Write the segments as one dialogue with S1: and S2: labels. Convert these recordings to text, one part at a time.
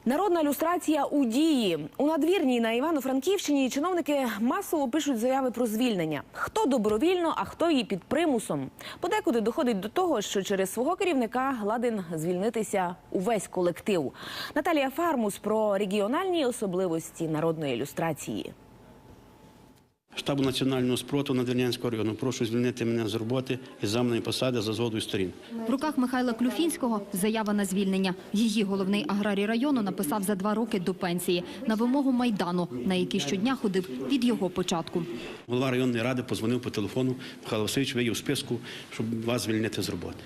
S1: Народна люстрація у дії. У Надвірній на Івано-Франківщині чиновники масово пишуть заяви про звільнення. Хто добровільно, а хто і під примусом. Подекуди доходить до того, що через свого керівника ладен звільнитися увесь колектив. Наталія Фармус про регіональні особливості народної люстрації.
S2: Штабу національного спротиву Надвірнянського району. Прошу звільнити мене з роботи із замовної посади за згодою сторін.
S3: В руках Михайла Клюфінського заява на звільнення. Її головний аграрій району написав за 2 роки до пенсії на вимогу Майдану, на який щодня ходив від його початку.
S2: Голова районної ради подзвонив по телефону. Михайло Васильович, ви є в списку, щоб вас звільнити з роботи.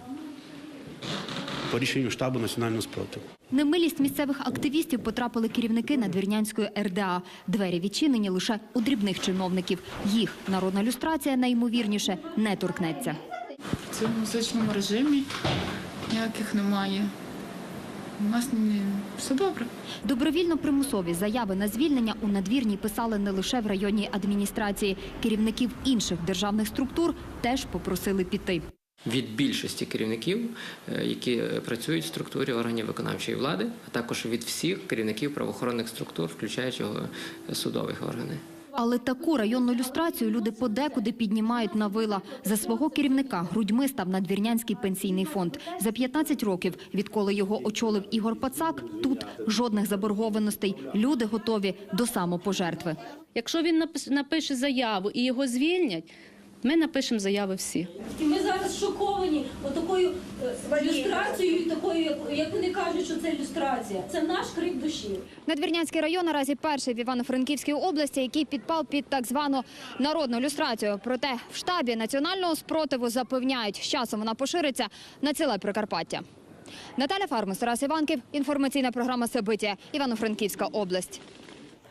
S2: По рішенню штабу національного спротиву.
S3: Немилість місцевих активістів потрапили керівники Надвірнянської РДА. Двері відчинені лише у дрібних чиновників. Їх народна люстрація, найімовірніше, не торкнеться.
S4: В цьому музичному режимі ніяких немає. У нас все добре.
S3: Добровільно-примусові заяви на звільнення у Надвірній писали не лише в районній адміністрації. Керівників інших державних структур теж попросили піти.
S5: Від більшості керівників, які працюють в структурі органів виконавчої влади, а також від всіх керівників правоохоронних структур, включаючи судових органів.
S3: Але таку районну люстрацію люди подекуди піднімають на вила. За свого керівника грудьми став Надвірнянський пенсійний фонд. За 15 років, відколи його очолив Ігор Пацак, тут жодних заборгованостей. Люди готові до самопожертви.
S6: Якщо він напише заяву і його звільнять, ми напишемо заяви всі.
S7: І ми зараз шоковані отакою люстрацією, такою, як вони кажуть, що це люстрація. Це наш крик душі.
S3: Надвірнянський район наразі перший в Івано-Франківській області, який підпав під так звану народну люстрацію. Проте в штабі національного спротиву запевняють, з часом вона пошириться на ціле Прикарпаття. Наталя Фармус, Тарас Іванків, інформаційна програма «Собиття», Івано-Франківська область.